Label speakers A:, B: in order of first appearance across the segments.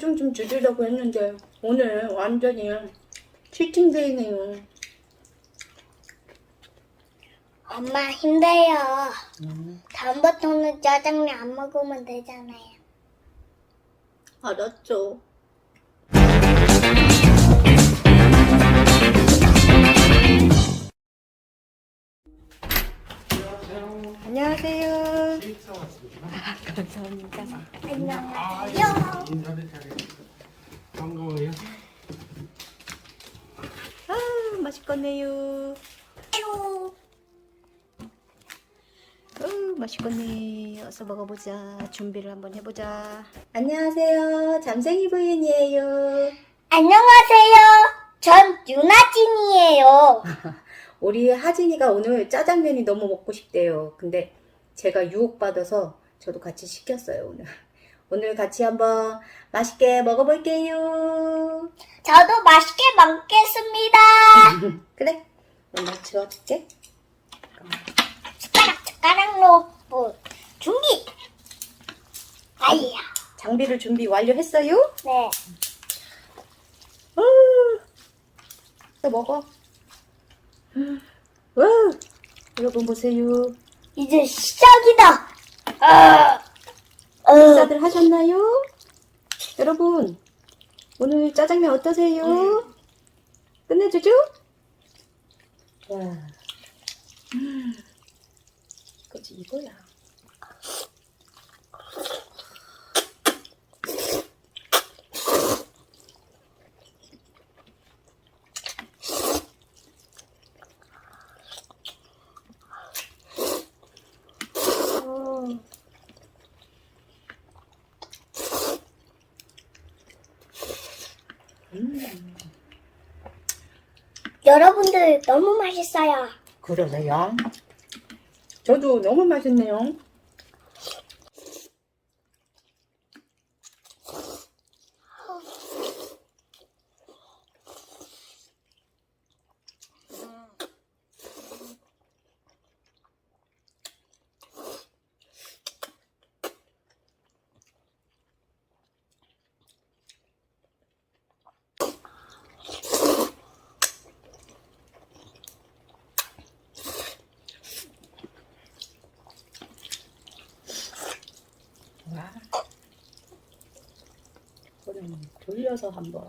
A: 체중 좀 줄이려고 했는데 오늘 완전히 치팅데이네요.
B: 엄마 힘들어요. 다음부터는 짜장면 안 먹으면 되잖아요.
A: 알았죠. 안녕하세요. 감사합니다.
B: 안녕하세요.
C: 인사를 잘해주셔서 반가워요.
A: 아, 맛있겠네요. 맛있겠네. 어서 먹어보자. 준비를 한번 해보자. 안녕하세요. 잠생이 부인이에요.
B: 안녕하세요. 전 유나진이에요.
A: 우리 하진이가 오늘 짜장면이 너무 먹고 싶대요. 근데 제가 유혹받아서 저도 같이 시켰어요, 오늘. 오늘 같이 한번 맛있게 먹어볼게요.
B: 저도 맛있게 먹겠습니다.
A: 그래? 엄마 지워줄게.
B: 숟가락으로 준비. 아이야.
A: 장비를 준비 완료했어요?
B: 네.
A: 또 먹어. 와, 여러분 보세요.
B: 이제 시작이다.
A: 식사들 하셨나요? 여러분, 오늘 짜장면 어떠세요? 끝내주죠? 와, 그치 이거야.
B: 여러분들 너무 맛있어요.
A: 그러네요. 저도 너무 맛있네요. 와, 이거는 돌려서 한번.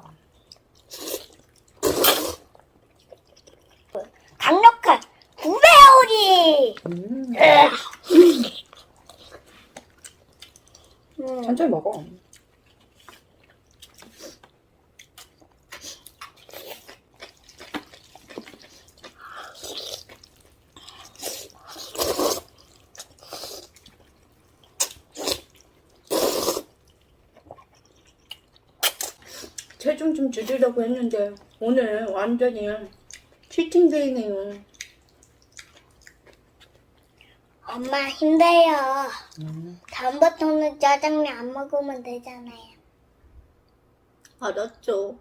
B: 강력한 구배 요리.
A: 천천히 먹어. 체중 좀 줄이려고 했는데 오늘 완전히 치팅데이네요.
B: 엄마 힘들어요. 다음부터는 짜장면 안 먹으면 되잖아요.
A: 알았죠.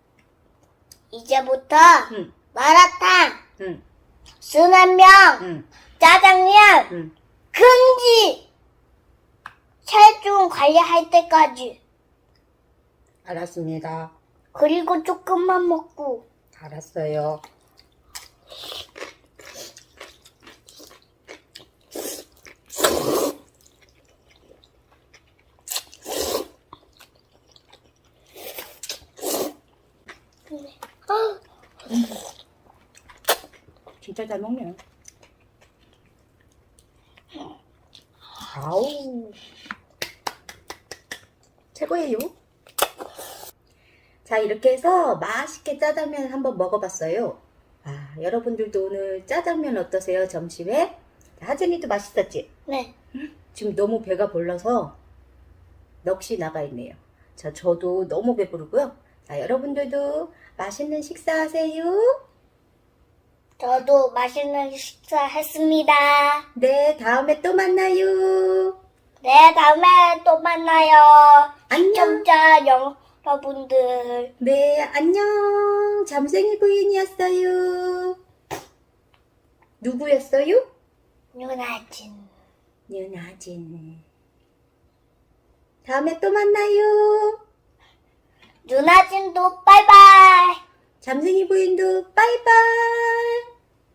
B: 이제부터
A: 응.
B: 마라탕,
A: 응,
B: 순한면,
A: 응,
B: 짜장면,
A: 응.
B: 금지! 체중 관리할 때까지.
A: 알았습니다.
B: 그리고 조금만 먹고.
A: 알았어요. 진짜 잘 먹네. 아우, 최고예요. 자, 이렇게 해서 맛있게 짜장면 한번 먹어봤어요. 아, 여러분들도 오늘 짜장면 어떠세요? 점심에? 하진이도 맛있었지?
B: 네.
A: 지금 너무 배가 불러서 넋이 나가 있네요. 자, 저도 너무 배부르고요. 자, 여러분들도 맛있는 식사하세요.
B: 저도 맛있는 식사 했습니다.
A: 네, 다음에 또 만나요.
B: 네, 다음에 또 만나요.
A: 안녕.
B: 시청자 여러분들.
A: 네, 안녕. 잠생이 부인이었어요. 누구였어요?
B: 유나진.
A: 윤아진. 다음에 또 만나요.
B: 누나진도 바이바이.
A: 잠생이 부인도 빠이빠이.